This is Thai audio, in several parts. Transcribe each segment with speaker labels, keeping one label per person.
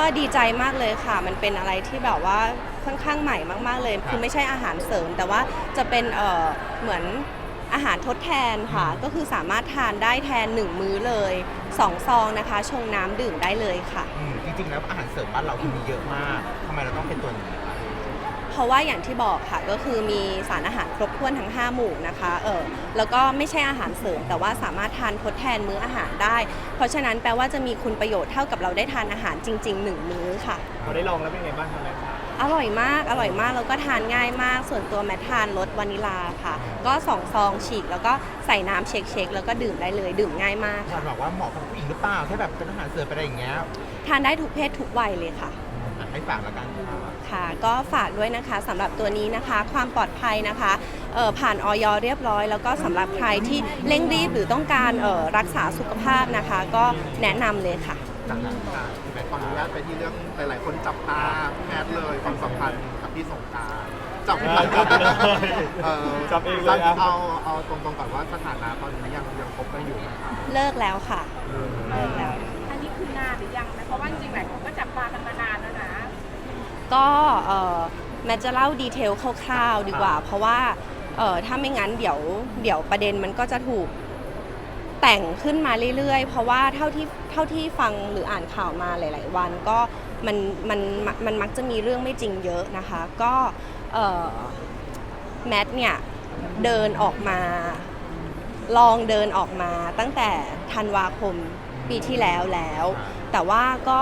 Speaker 1: ดีใจมากเลยค่ะมันเป็นอะไรที่แบบว่าค่อนข้างใหม่มากๆเลยคือไม่ใช่อาหารเสริมแต่ว่าจะเป็นเหมือนอาหารทดแทนค่ะก็คือสามารถทานได้แทน1มื้อเลย2ซองนะคะชงน้ำดื่มได้เลยค่ะ
Speaker 2: จริงๆแล้วอาหารเสริมบ้านเราคือมีเยอะมากทำไมเราต้องเป็นตัวนี้คะ
Speaker 1: เพราะว่าอย่างที่บอกค่ะก็คือมีสารอาหารครบถ้วนทั้ง5หมู่นะคะแล้วก็ไม่ใช่อาหารเสริมแต่ว่าสามารถทานทดแทนมื้ออาหารได้เพราะฉะนั้นแปลว่าจะมีคุณประโยชน์เท่ากับเราได้ทานอาหารจริงๆ1มื้อค่ะ
Speaker 3: พอได้ลองแล้วเป็นไงบ้างครับแม่
Speaker 1: อร่อยมากอร่อยมากแล้วก็ทานง่ายมากส่วนตัวแมททานรสวานิลาค่ะก็2ซองฉีกแล้วก็ใส่น้ำเช็คแล้วก็ดื่มได้เลยดื่มง่ายมาก
Speaker 2: อยากบอกว่าเหมาะกับผู้หญิงหรือเปล่าแค่แบบเป็นอาหารเสริมไปอะไรอย่างเงี้ย
Speaker 1: ทานได้ทุกเพศทุกวัยเลยค่ะ
Speaker 2: ให้ฝากแล้วกัน
Speaker 1: ค่ะก็ฝากด้วยนะคะสำหรับตัวนี้นะคะความปลอดภัยนะคะผ่านอย.เรียบร้อยแล้วก็สำหรับใครที่เร่งรีบหรือต้องการรักษาสุขภาพนะคะก็แนะนำเลยค่ะ
Speaker 4: จากนั้นค่ะขออนุญาตไปที่เรื่องหลายๆคนจับตาแพทย์เลยความสัมพันธ์กับพี่สงกรานต์จับเลย
Speaker 3: จับเองเลย
Speaker 4: เอาตรงๆก่อนว่าสถานะตอนนี้ยังคบกันอยู่ไหมครับ
Speaker 1: เลิกแล้วค่ะเลิกแล้ว
Speaker 5: อันนี้คือนานหรือยังนะเพราะว่าจริงๆหลายคนก็จับตากันมานานแล้วนะ
Speaker 1: ก็แมทจะเล่าดีเทลคร่าวๆดีกว่าเพราะว่าถ้าไม่งั้นเดี๋ยวประเด็นมันก็จะถูกแต่งขึ้นมาเรื่อยๆเพราะว่าเท่าที่ฟังหรืออ่านข่าวมาหลายๆวันก็มันมักจะมีเรื่องไม่จริงเยอะนะคะก็แมทเนี่ยเดินออกมาลองเดินออกมาตั้งแต่ธันวาคมปีที่แล้วแต่ว่าก็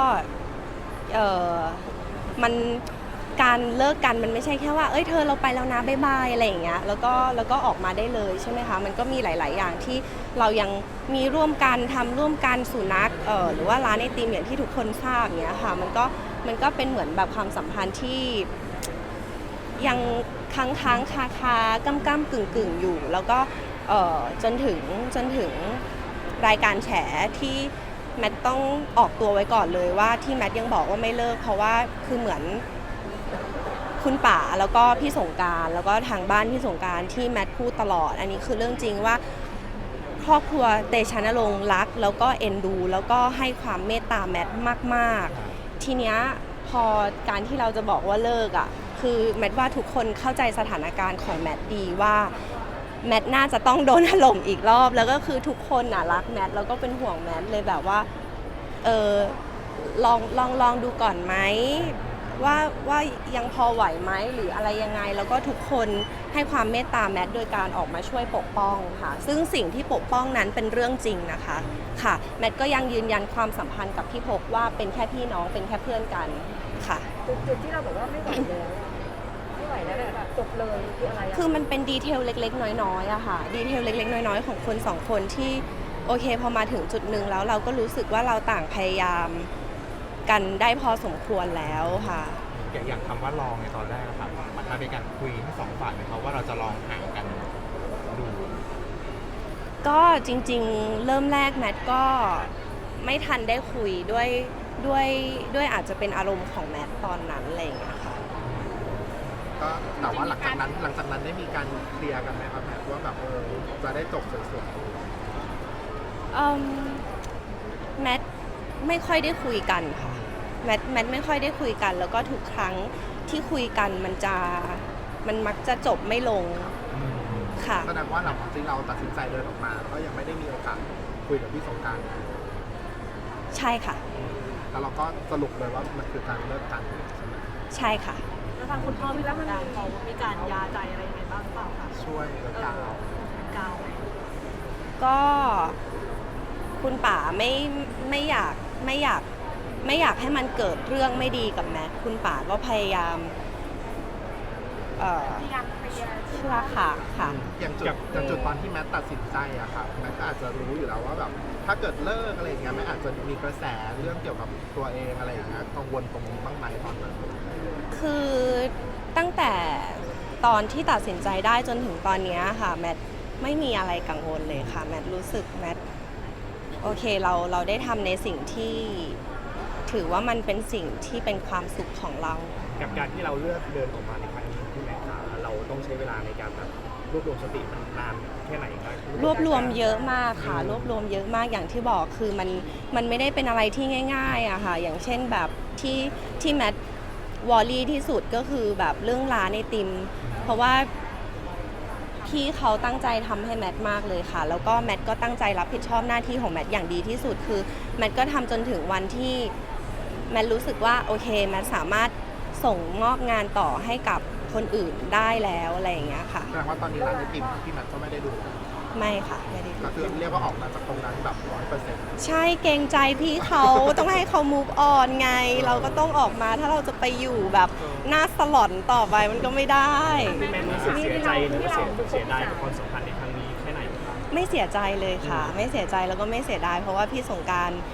Speaker 1: มันการเลิกกันมันไม่ใช่แค่ว่าเธอเราไปแล้วนะบ๊ายบายอะไรอย่างเงี้ยแล้วก็ออกมาได้เลยใช่ไหมคะมันก็มีหลายๆอย่างที่เรายังมีร่วมกันทำร่วมกันสุนัขหรือว่าร้านไอติมอย่างที่ทุกคนทราบเงี้ยค่ะมันก็เป็นเหมือนแบบความสัมพันธ์ที่ยังค้างคาก้ำกึ่งอยู่แล้วก็จนถึงรายการแฉที่แมทต้องออกตัวไว้ก่อนเลยว่าที่แมทยังบอกว่าไม่เลิกเพราะว่าคือเหมือนคุณป๋าแล้วก็พี่สงกรานต์แล้วก็ทางบ้านพี่สงกรานต์ที่แมทพูดตลอดอันนี้คือเรื่องจริงว่าครอบครัวเตชะนรงค์รักแล้วก็เอ็นดูแล้วก็ให้ความเมตตาแมทมากๆทีเนี้ยพอการที่เราจะบอกว่าเลิกอ่ะคือแมทว่าทุกคนเข้าใจสถานการณ์ของแมทดีว่าแมทน่าจะต้องโดนถล่มอีกรอบแล้วก็คือทุกคนน่ะรักแมทแล้วก็เป็นห่วงแมทเลยแบบว่าลองดูก่อนไหมว่ายังพอไหวไหมหรืออะไรยังไงแล้วก็ทุกคนให้ความเมตตาแมทโดยการออกมาช่วยปกป้องค่ะซึ่งสิ่งที่ปกป้องนั้นเป็นเรื่องจริงนะคะค่ะแมทก็ยังยืนยันความสัมพันธ์กับพี่พกว่าเป็นแค่พี่น้องเป็นแค่เพื่อนกันค่ะ
Speaker 5: จุดที่เราบอกว่าไม่ไหวแล้วแบบจบเลยคืออะไร
Speaker 1: คือมันเป็นดีเทลเล็กๆน้อยๆอะค่ะดีเทลเล็กๆน้อยๆของคนสองคนที่โอเคพอมาถึงจุดหนึ่งแล้วเราก็รู้สึกว่าเราต่างพยายามกันได้พอสมควรแล้วค่ะ
Speaker 2: อย่างคำว่าลองในตอนแรกครับมันเป็นการคุยทั้งสองฝ่ายไหมครับว่าเราจะลองห่างกันดู
Speaker 1: ก็จริงๆเริ่มแรกแมทก็ไม่ทันได้คุยด้วยอาจจะเป็นอารมณ์ของแมทตอนนั้นอะไรอย่างเงี้ยค่ะ
Speaker 4: ก็แต่ว่าหลังจากนั้นได้มีการเคลียร์กันไหมครับแพทย์ว่าแบบจะได้จบสวย
Speaker 1: ๆแมทไม่ค่อยได้คุยกันค่ะแมทไม่ค่อยได้คุยกันแล้วก็ทุกครั้งที่คุยกันมันมักจะจบไม่ลงค่ะ
Speaker 4: แสดงว่าหลังจากที่เราตัดสินใจเดินออกมาก็ยังไม่ได้มีโอกาสคุยกับพี่สงกรานต์
Speaker 1: ใช่ค่ะ
Speaker 4: แล้วเราก็สรุปเลยว่ามันคือการเลิกกันใช่ไหม
Speaker 1: ใช่ค่ะ
Speaker 5: แล้วทางคุณพ่อพี่รับการเขามีการยาใจอะไรยังไงบ้างเปล่าคะ
Speaker 4: ช่วยกาว
Speaker 1: ก็คุณป๋าไม่อยากให้มันเกิดเรื่องไม่ดีกับแมทคุณป๋าก็พยายามเชื่อค่ะ
Speaker 4: อย่างจุดตอนที่แมทตัดสินใจอะค่ะแมทก็อาจจะรู้อยู่แล้วว่าแบบถ้าเกิดเลิกอะไรอย่างเงี้ยแมทอาจจะมีกระแสเรื่องเกี่ยวกับตัวเองอะไรอย่างเงี้ยกังวลตรงนี้บ้างไหมตอนนั้น
Speaker 1: คือตั้งแต่ตอนที่ตัดสินใจได้จนถึงตอนนี้ค่ะแมทไม่มีอะไรกังวลเลยค่ะแมทรู้สึกแมทโอเคเราได้ทำในสิ่งที่ถือว่ามันเป็นสิ่งที่เป็นความสุขของเรา
Speaker 3: กับการที่เราเลือกเดินออกมาในครั้งนี้ที่แม่ขาเราต้องใช้เวลาในการแบบรวบรวมสติมันนานแค่ไหนครับ
Speaker 1: รวบรวมเยอะมากค่ะรวบรวมเยอะมากอย่างที่บอกคือมันไม่ได้เป็นอะไรที่ง่ายๆอะค่ะอย่างเช่นแบบที่แมทวอรี่ที่สุดก็คือแบบเรื่องร้านไอติมเพราะว่าพี่เขาตั้งใจทำให้แมทมากเลยค่ะแล้วก็แมทก็ตั้งใจรับผิดชอบหน้าที่ของแมทอย่างดีที่สุดคือแมทก็ทำจนถึงวันที่แมทรู้สึกว่าโอเคแมทสามารถส่งมอบงานต่อให้กับคนอื่นได้แล้วอะไรอย่างเงี้ยค่ะ
Speaker 4: แสดงว่าตอนนี้ร้านไอติมพี่แมทก็ไม่ได้ดู
Speaker 1: ไม่ค่ะไม่ได้
Speaker 4: ก็คือเรียกว่าออกมาจากตรงนั้นแบบ100%
Speaker 1: ใช่เกรงใจพี่เขาต้องให้เขา move on ไง เราก็ต้องออกมาถ้าเราจะไปอยู่แบบหน้าสลอนต่อไปมันก็ไม่ได้
Speaker 3: พี่แมนรู้สึกเสียใจหรือว่าเสียดายกับความสัมพันธ์ในครั้งนี้แค่ไหนครับ
Speaker 1: ไม่เสียใจเลยค่ะ ไม่เสียใจแล้วก็ไม่เสียดายเพราะว่าพี่สงกรานต์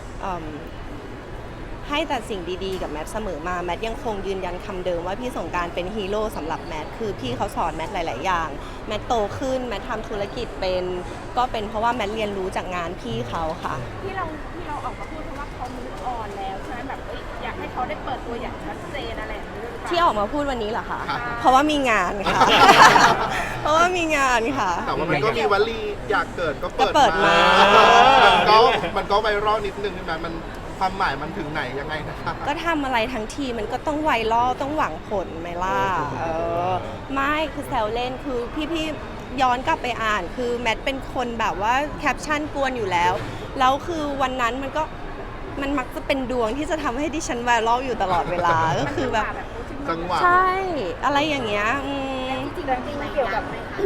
Speaker 1: ให้แต่สิ่งดีๆกับแมทเสมอมาแมทยังคงยืนยันคำเดิมว่าพี่สงกรานต์เป็นฮีโร่สำหรับแมทคือพี่เขาสอนแมทหลายๆอย่างแมทโตขึ้นแมททำธุรกิจเป็นก็เป็นเพราะว่าแมทเรียนรู้จากงานพี่เขาค่ะ
Speaker 5: ที่เราออกมาพูดเพราะว่าเขามูฟออนแล้วใช่ไหมแบบอยากให้เขาได้เปิดตัวอย่างชัดเจนอะไรอย่างนี้หรือเปล่า
Speaker 1: ที่ออกมาพูดวันนี้เหรอคะ เพราะว่ามีงานค่ะ เพราะว่ามีงานค่ะ
Speaker 4: แต่ว่ามันก็มีวลีอยากเกิดก็
Speaker 1: ก็เปิดมา
Speaker 4: มันก็ไวรัลนิดนึงใช่ไหมมันความหมายมันถึงไหนยังไงนะครับ
Speaker 1: ก็ทำอะไรทั้งทีมันก็ต้องไวรัลต้องหวังผลไหมล่ะไม่คือแซวเล่นคือพี่ย้อนกลับไปอ่านคือแมทเป็นคนแบบว่าแคปชั่นกวนอยู่แล้วแล้วคือวันนั้นมันมักจะเป็นดวงที่จะทำให้ดิฉันไวรัลอยู่ตลอดเวลา ก็คือแบบ
Speaker 4: จังหวะ
Speaker 1: ใช่อะไรอย่างเงี้ย
Speaker 5: จริงๆไม่เกี่ยวกับ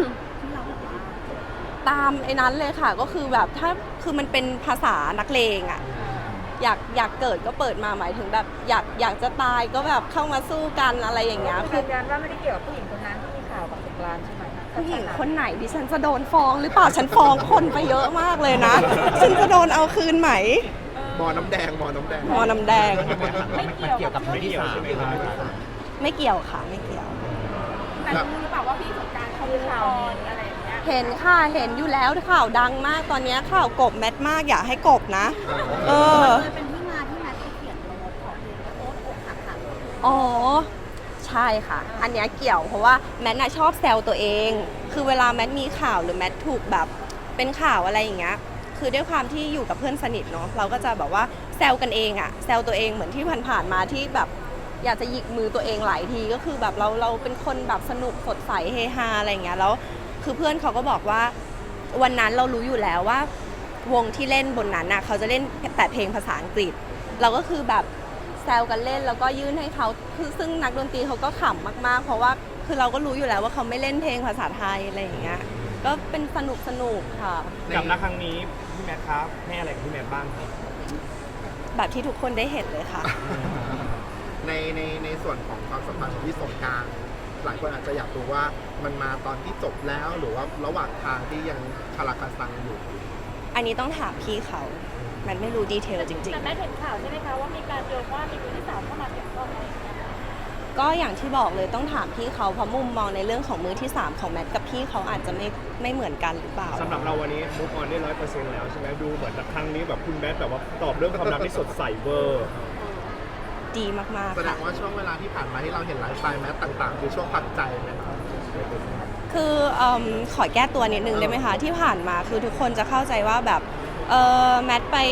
Speaker 1: ตามไอ้นั้นเลยค่ะก็คือแบบถ้าคือมันเป็นภาษานักเลงอะอยากเกิดก็เปิดมาหมายถึงแบบอยากจะตายก็แบบเข้ามาสู้กันอะไรอย่างเงี้ย
Speaker 5: คือยืนยันว่าไม่ได้เกี่ยวกับผู้หญิงคนนั้นที่มีข่าวกับสงกรานต์ใช่ไหม
Speaker 1: ผู้หญิงคนไหนดิฉันจะโดนฟ้องหรือเปล่าฉันฟ้องคนไปเยอะมากเลยนะฉันจะโดนเอาคืนไหม
Speaker 4: หมอน้ำแดงหมอน้ำแดง
Speaker 1: มอน้ำแดง
Speaker 2: มันเกี่ยวกับมือที่สามใช่ไหมครับ
Speaker 1: ไม่เกี่ยวค่ะไม่เกี่ยว
Speaker 5: แต่รู้หรือเปล่าว่าพี่สงกรานต์เขามีข่าวอะไรอย่างเงี้ย
Speaker 1: เห็นค่ะเห็นอยู่แล้วข่าวดังมากตอนนี้ข่าวกบแมทมากอยากให้กบนะ
Speaker 5: เป็นที่มาที่แมทเขียนโน้ตของเพลงโน้ตอกหักค่ะ
Speaker 1: อ๋อใช่ค่ะอันเนี้ยเกี่ยวเพราะว่าแมทน่ะชอบแซวตัวเองคือเวลาแมทมีข่าวหรือแมทถูกแบบเป็นข่าวอะไรอย่างเงี้ยคือด้วยความที่อยู่กับเพื่อนสนิทเนาะเราก็จะแบบว่าแซวกันเองอะแซวตัวเองเหมือนที่ผ่านๆมาที่แบบอยากจะหยิกมือตัวเองหลายทีก็คือแบบเราเป็นคนแบบสนุกสดใสเฮฮาอะไรอย่างเงี้ยแล้วคือเพื่อนเขาก็บอกว่าวันนั้นเรารู้อยู่แล้วว่าวงที่เล่นบนนั้นน่ะเขาจะเล่นแต่เพลงภาษาอังกฤษเราก็คือแบบแซวกันเล่นแล้วก็ยื่นให้เขาคือซึ่งนักดนตรีเขาก็ขำมากๆเพราะว่าคือเราก็รู้อยู่แล้วว่าเขาไม่เล่นเพลงภาษาไทยอะไรอย่างเงี้ยก็เป็นสนุกค่ะ
Speaker 3: กับนักครั้งนี้พี่แมทครับให้อะไรกับพี่แมทบ้างครับ
Speaker 1: แบบที่ทุกคนได้เห็นเลยค่ะ
Speaker 4: ในส่วนของความสัมพันธ์ของพี่สงกรานต์หลายคนอาจจะอยากรู้ว่ามันมาตอนที่จบแล้วหรือว่าระหว่างทางที่ยังคาราคาซังอยู่
Speaker 1: อันนี้ต้องถามพี่เขามันไม่รู้ดีเทลจริง
Speaker 5: แต่แม่เห็นข่าวใช่ไหมคะว่ามีการโยงว่ามีมือที่สามเข้ามาเกี่ยวข้องอะไรอย่างเงี้ย
Speaker 1: ๆก็อย่างที่บอกเลยต้องถามพี่เขาเพราะมุมมองในเรื่องของมือที่ 3 ของแมทกับพี่เขาอาจจะไม่เหมือนกันหรือเปล่า
Speaker 3: สำหรับเราวันนี้มูฟออนได้100%แล้วใช่ไหมดูเหมือนครั้งนี้แบบคุณแมทแบบว่าตอบเรื่องความรักที่สดใสเวอร์
Speaker 1: ดีมากๆ
Speaker 4: แสด
Speaker 1: ค่ะ
Speaker 4: งว่าช่วงเวลาที่ผ่านมาที่เราเห็นไลฟ์สไตล์แมทต่างๆ คือช่วงพักใจไหมครับ
Speaker 1: คือขอแก้ตัวนิดนึงได้ไหมคะที่ผ่านมาคือทุกคนจะเข้าใจว่าแบบแมทไป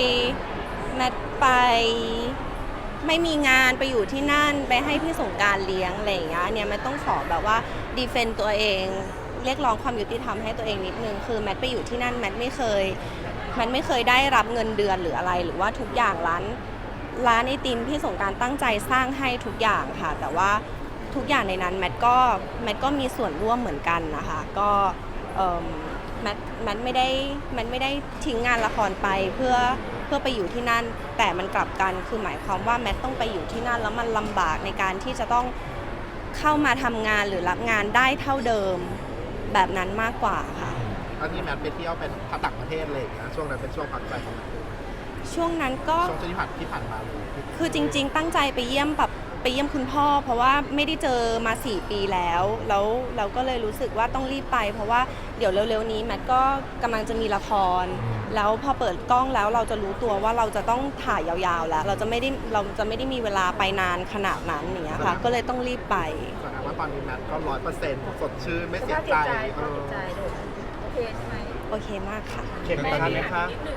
Speaker 1: ไม่มีงานไปอยู่ที่นั่นไปให้พี่สงกรานต์เลี้ยงอะไรอย่างเงี้ยเนี่ยแมทต้องขอแบบว่าดีเฟนต์ตัวเองเรียกร้องความยุติธรรมให้ตัวเองนิดนึงคือแมทไปอยู่ที่นั่นแมทไม่เคยได้รับเงินเดือนหรืออะไรหรือว่าทุกอย่างร้านไอติมพี่สงกรานต์ตั้งใจสร้างให้ทุกอย่างค่ะแต่ว่าทุกอย่างในนั้นแมทก็มีส่วนร่วมเหมือนกันนะคะก็แมทไม่ได้ทิ้งงานละครไปเพื่อไปอยู่ที่นั่นแต่มันกลับกันคือหมายความว่าแมทต้องไปอยู่ที่นั่นแล้วมันลำบากในการที่จะต้องเข้ามาทำงานหรือรับงานได้เท่าเดิมแบบนั้นมากกว่าค่ะ
Speaker 4: ตอนที่แมทไปเที่ยวเป็นต่างประเทศเลยนะช่วงนั้นเป็นช่วงพักใจของแมท
Speaker 1: ช่วงนั้นก็
Speaker 4: ช่วงที่ผ่านมาเลย
Speaker 1: คือจริงๆตั้งใจไปเยี่ยมคุณพ่อเพราะว่าไม่ได้เจอมา4 ปีแล้วเราก็เลยรู้สึกว่าต้องรีบไปเพราะว่าเดี๋ยวเร็วๆนี้แมทก็กำลังจะมีละครแล้วพอเปิดกล้องแล้วเราจะรู้ตัวว่าเราจะต้องถ่ายยาวๆแล้วเราจะไม่ได้มีเวลาไปนานขนาดนั้นอย่างเงี้ยค่ะก็เลยต้องรีบไป
Speaker 4: แสดงว่าตอนนี้แมทก็100%สดชื่นไม่เสียใจ
Speaker 5: โอเคใช่ไหม
Speaker 1: โอเคมากค่ะ
Speaker 3: เข็มไหมครับ
Speaker 5: นิดหนึ่งเพราะว่า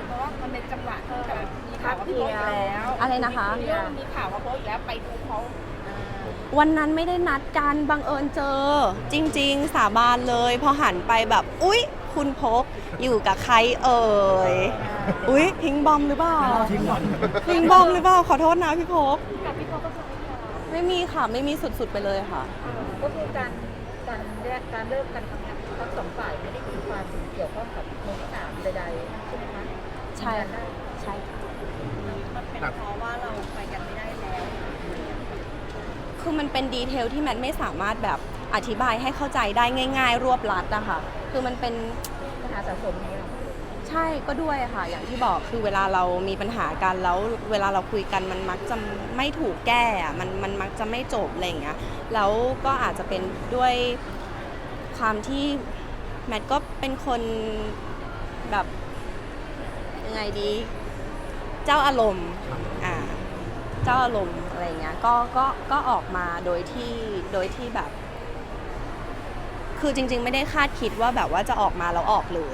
Speaker 5: มันเป็นจังหวะที่แบบมีข่าวว่าพี่โพสต์อีกแล้ว
Speaker 1: อะไรนะคะ
Speaker 5: เรื่องมีข่าวว่าโพสต์อีกแล้วไปดูเขา
Speaker 1: วันนั้นไม่ได้นัดกันบังเอิญเจอ จริง ๆ สาบานเลย พอหันไปแบบอุ๊ย คุณพกอยู่กับใครเอ่ยอุ๊ยพิงบอมหรือเปล่าพิงบอมหรือเปล่าขอโทษนะพี่พก
Speaker 5: กับพี่โพสต์ก็คือไม่ยอม
Speaker 1: ไม่มีค่ะไม่มีสุดๆไปเลยค่ะ
Speaker 6: ก็คือการเลิกกันทั้งสองฝ่ายไม่ได้มีความเกี่ยวข้องกับมือที่สามใดๆใช่ไหมคะ
Speaker 1: ใช่ค่ะใช่ค่ะ
Speaker 6: มันเป็นเพราะว่าเราไปกันไม่ได้แล้ว
Speaker 1: คือมันเป็นดีเทลที่แมทไม่สามารถแบบอธิบายให้เข้าใจได้ง่าย ๆ รวบลัดอะค่ะคือมันเป็น
Speaker 6: ปัญหาสะสมนี้หรอ
Speaker 1: ใช่ก็ด้วยค่ะ อย่างที่บอกคือเวลาเรามีปัญหากันแล้วเวลาเราคุยกันมันมักจะไม่ถูกแก้อะมันมักจะไม่จบอะไรอย่างเงี้ยแล้วก็อาจจะเป็นด้วยความที่แมทก็เป็นคนแบบยังไงดีเจ้าอารมณ์เจ้าอารมณ์อะไรอย่างเงี้ยก็ออกมาโดยที่แบบ คือจริงๆ ไม่ได้คาดคิดว่าแบบว่าจะออกมาแล้วออกเลย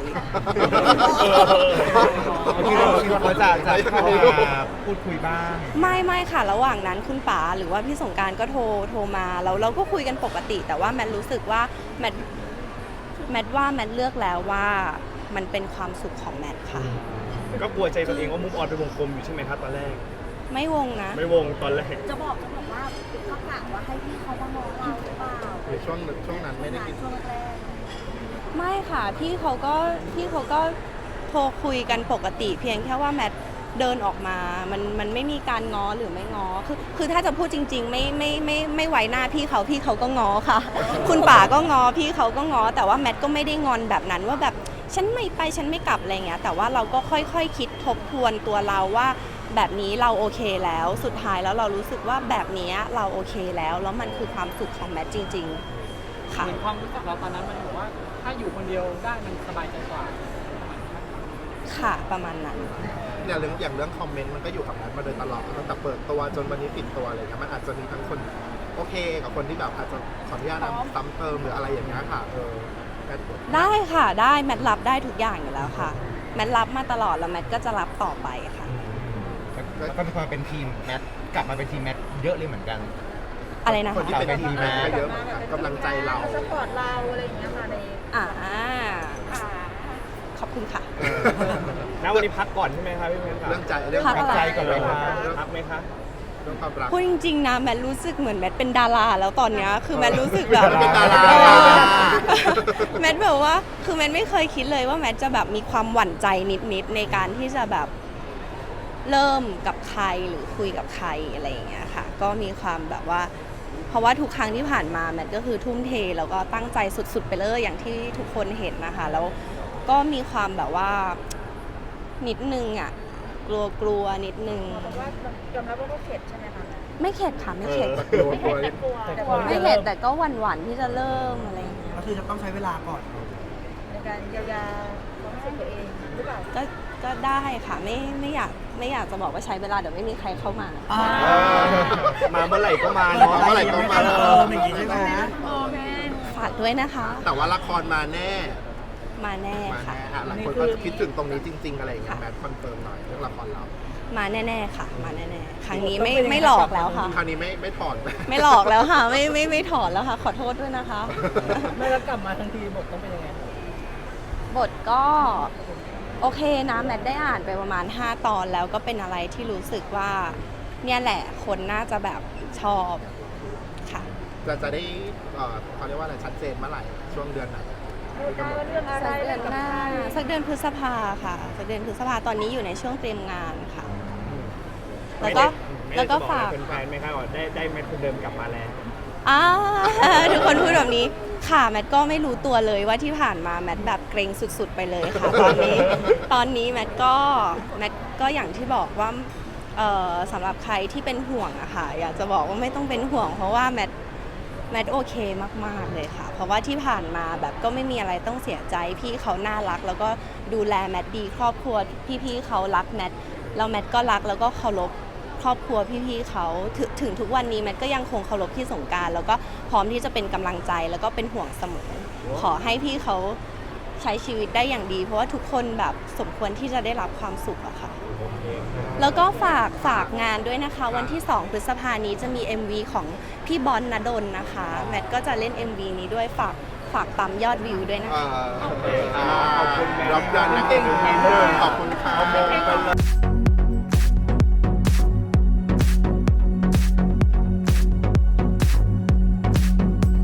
Speaker 2: คิดว่าเขาจะเข้ามาพูดคุยบ้าง
Speaker 1: ไม่ค่ะระหว่างนั้นคุณป๋าหรือว่าพี่สงกรานต์ก็โทรมาแล้วเราก็คุยกันปกติ แต่ว่าแมทรู้สึกว่าแมทเลือกแล้วว่ามันเป็นความสุขของแมทค่ะ
Speaker 3: ก็กลัวใจตัวเองว่ามุกออนเป็นวงกลมอยู่ใช่ไหมครับตอนแรก
Speaker 1: ไม่วงนะ
Speaker 3: ไม่วงตอนแรก
Speaker 6: จะบอกว่าเขากะว่าให้พี่เขามามองเราหรือเปล่า
Speaker 4: หรือช่วงนั้นไม่ได้คิด
Speaker 6: ช่วงแรก
Speaker 1: ไม่ค่ะพี่เขาก็โทรคุยกันปกติ เพียงแค่ว่าแมทเดินออกมามันไม่มีการง้อหรือไม่ง้อคือถ้าจะพูดจริงๆไม่ไว้หน้าพี่เขาก็ง้อค่ะ คุณป๋าก็ง้อพี่เขาก็ง้อแต่ว่าแมทก็ไม่ได้งอนแบบนั้นว่าแบบฉันไม่ไปฉันไม่กลับอะไรเงี้ยแต่ว่าเราก็ค่อยๆคิดทบทวนตัวเราว่าแบบนี้เราโอเคแล้วสุดท้ายแล้วเรารู้สึกว่าแบบนี้เราโอเคแล้วมันคือความสุขของแมทจริงๆค่ะ
Speaker 7: เหมือนความรู้สึกเราตอนนั้นมันบอกว่าถ้าอยู่คนเดียวได้มันสบายใจกว่า
Speaker 1: ค่ะประมาณนั้น
Speaker 4: อย่างเรื่องคอมเมนต์มันก็อยู่กับแมทมาโดยตลอดตั้งแต่เปิดตัวจนวันนี้ปิดตัวอะไรเงี้ยมันอาจจะมีทั้งคนโอเคกับคนที่แบบอาจจะขออนุญาตซ้ำเติมหรืออะไรอย่างเงี้ยค่ะแมท
Speaker 1: ได้ค่ะได้แมทรับได้ทุกอย่างอยู่แล้วค่ะแมทรับมาตลอดแล้วแมทก็จะรับต่อไปค่ะ
Speaker 2: แล้วก็มีความเป็นทีมแมทกลับมาเป็นทีมแมทเยอะเลยเหมือนกัน
Speaker 1: อะไรนะ
Speaker 4: คน
Speaker 1: คะ
Speaker 4: ที่เป็นทีมแมทก็เยอะเหมือนกันกำลังใจเรา
Speaker 6: ๆสปอร์ตเราอะไรอย่างเงี้ยค่ะใน
Speaker 1: ขอบคุณค่ะ
Speaker 3: ณวันนี้พักก่อนใช่ไหมครับพี่เมนครับ
Speaker 4: เรื่องใจ
Speaker 1: พัก
Speaker 4: ความ
Speaker 2: ใจก่อนเลยครับ
Speaker 3: พักไหมคะ
Speaker 4: เรื่องความรัก
Speaker 1: พูดจริงๆนะแมทรู้สึกเหมือนแมทเป็นดาราแล้วตอนเนี้ยคือแมทรู้สึกแบบ
Speaker 4: เป็นดารา
Speaker 1: แมทแบบว่าคือแมทไม่เคยคิดเลยว่าแมทจะแบบมีความหวั่นใจนิดๆในการที่จะแบบเริ่มกับใครหรือคุยกับใครอะไรอย่างเงี้ยค่ะก็มีความแบบว่าเพราะว่าทุกครั้งที่ผ่านมาแมทก็คือทุ่มเทแล้วก็ตั้งใจสุดๆไปเลยอย่างที่ทุกคนเห็นนะคะแล้วก็มีความแบบว่านิดนึงอ่ะกลัวนิดนึง
Speaker 6: บอกว่ายอมรับว่าก็เข็ดใช่ไหมคะ
Speaker 1: ไม่เข็ดค่ะไม่เข็ด
Speaker 4: กลัว
Speaker 6: ไม่เข็ดแต่กลัว
Speaker 1: ไม่เข็ดแต่ก็หวั่นๆที่จะเริ่มอะไรอย่างเงี้ย
Speaker 7: ก็คือจะต้องใช้เวลาก่อน
Speaker 6: ในการเยียวยาความรู้สึกตัวเองหรือเปล่า
Speaker 1: ก็ได้ค่ะไม่อยากจะบอกว่าใช้เวลาเดี๋ยวไม่มีใครเข้ามา
Speaker 3: มาเมื่อไหร่ก็มาเนาะ
Speaker 4: เมื่อไหร่ก็มา
Speaker 7: อย่างนี้ใช่ไหม
Speaker 1: ฝากด้วยนะคะ
Speaker 4: แต่ว่าละครมาแน่
Speaker 1: มาแน่
Speaker 4: มา
Speaker 1: ค่ะ
Speaker 4: แน่หลายคนก็คิดถึงตรงนี้จริง ๆ อะไรอย่างเงี้ยแมทคอนเฟิร์มหน่อยเรื่องละครเรา
Speaker 1: มาแน่ๆค่ะ มาแน่ๆครั้งนี้ไม่หลอกแล้วค่ะ
Speaker 4: คราวนี้ไม่ถอด
Speaker 1: ไม่หลอกแล้วค่ะไม่ถอดแล้วค่ะ ขอโทษด้วยนะคะ
Speaker 7: ไม่แล้วกลับมาทันทีบทต้องเป็นยังไง
Speaker 1: บทก็โอเคนะแมทได้อ่านไปประมาณ5 ตอนแล้วก็เป็นอะไรที่รู้สึกว่าเนี่ยแหละคนน่าจะแบบชอบค่ะ
Speaker 4: จะได้เขาเรียกว่าอะไรชัดเจนเมื่อไหร่ช่วงเดือนไหน
Speaker 6: เรื่องอะไร
Speaker 1: สักเดือนหน้าสักเดือนพฤษภาค่ะสักเดือนพฤษภาตอนนี้อยู่ในช่วงเตรียมงานค่ะ แล้วก็ฝาก
Speaker 3: เป็นแฟนไหมครับว่าได้แมทคนเดิมกลับมาแล้ว
Speaker 1: ทุกคนพูดแบบนี้ค่ะแมทก็ไม่รู้ตัวเลยว่าที่ผ่านมาแมทแบบเกรงสุดๆไปเลยค่ะ ตอนนี้แมทก็อย่างที่บอกว่าสำหรับใครที่เป็นห่วงอะค่ะอยากจะบอกว่าไม่ต้องเป็นห่วงเพราะว่าแมทโอเคมากๆเลยค่ะเพราะว่าที่ผ่านมาแบบก็ไม่มีอะไรต้องเสียใจพี่เขาน่ารักแล้วก็ดูแลแมทดีครอบครัวพี่ๆเขารักแมทแล้วแมทก็รักแล้วก็เคารพครอบครัวพี่ๆเขาถึงทุกวันนี้แมทก็ยังคงเคารพพี่สงกรานต์แล้วก็พร้อมที่จะเป็นกำลังใจแล้วก็เป็นห่วงเสมอขอให้พี่เขาใช้ชีวิตได้อย่างดี เพราะว่าทุกคนแบบสมควรที่จะได้รับความสุขอะค่ะแล้วก็ฝากงานด้วยนะคะ วันที่ 2 พฤษภานี้จะมี MV ของพี่บอลณดลนะคะแมทก็จะเล่น MV นี้ด้วยฝากปั๊มยอดวิวด้วยนะคะ
Speaker 4: ขอบคุณรับยอดนักเก่งขอบคุณค่ะ